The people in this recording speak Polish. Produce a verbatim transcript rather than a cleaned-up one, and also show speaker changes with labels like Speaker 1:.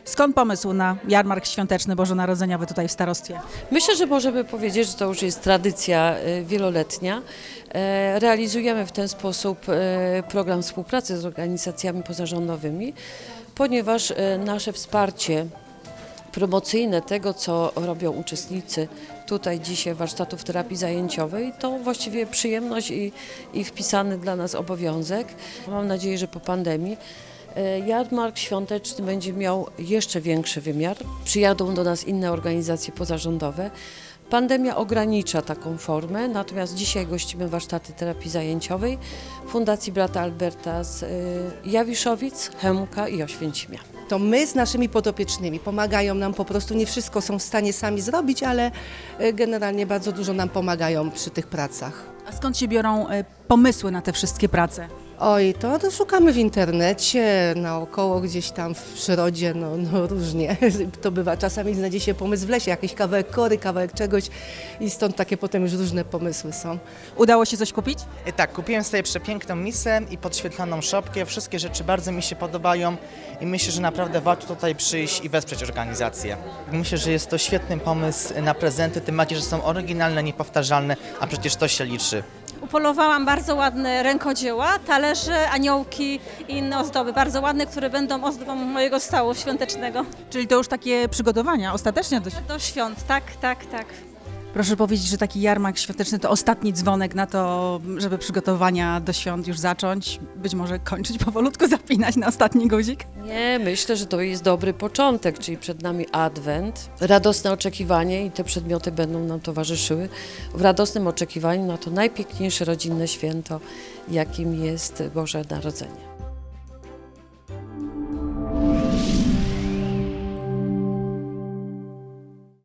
Speaker 1: Skąd pomysł na jarmark świąteczny bożonarodzeniowy tutaj w starostwie?
Speaker 2: Myślę, że możemy powiedzieć, że to już jest tradycja e, wieloletnia. E, Realizujemy w ten sposób e, program współpracy z organizacjami pozarządowymi, ponieważ e, nasze wsparcie promocyjne tego, co robią uczestnicy tutaj dzisiaj warsztatów terapii zajęciowej, to właściwie przyjemność i, i wpisany dla nas obowiązek. Mam nadzieję, że po pandemii e, jarmark świąteczny będzie miał jeszcze większy wymiar. Przyjadą do nas inne organizacje pozarządowe. Pandemia ogranicza taką formę, natomiast dzisiaj gościmy warsztaty terapii zajęciowej Fundacji Brata Alberta z y, Jawiszowic, Chełmka i Oświęcimia.
Speaker 3: To my z naszymi podopiecznymi pomagają nam po prostu, nie wszystko są w stanie sami zrobić, ale e, generalnie bardzo dużo nam pomagają przy tych pracach.
Speaker 1: A skąd się biorą e, pomysły na te wszystkie prace?
Speaker 3: Oj, to, to szukamy w internecie, naokoło gdzieś tam w przyrodzie, no, no różnie to bywa. Czasami znajdzie się pomysł w lesie, jakiś kawałek kory, kawałek czegoś i stąd takie potem już różne pomysły są.
Speaker 1: Udało się coś kupić?
Speaker 4: E, Tak, kupiłem sobie przepiękną misę i podświetloną szopkę. Wszystkie rzeczy bardzo mi się podobają i myślę, że naprawdę warto tutaj przyjść i wesprzeć organizację. Myślę, że jest to świetny pomysł na prezenty, tym bardziej, że są oryginalne, niepowtarzalne, a przecież to się liczy.
Speaker 5: Upolowałam bardzo ładne rękodzieła, talerze, aniołki i inne ozdoby, bardzo ładne, które będą ozdobą mojego stołu świątecznego.
Speaker 1: Czyli to już takie przygotowania ostatecznie do...
Speaker 5: Do świąt, tak, tak, tak.
Speaker 1: Proszę powiedzieć, że taki jarmark świąteczny to ostatni dzwonek na to, żeby przygotowania do świąt już zacząć, być może kończyć powolutku, zapinać na ostatni guzik?
Speaker 2: Nie, myślę, że to jest dobry początek, czyli przed nami Adwent, radosne oczekiwanie i te przedmioty będą nam towarzyszyły w radosnym oczekiwaniu na to najpiękniejsze rodzinne święto, jakim jest Boże Narodzenie.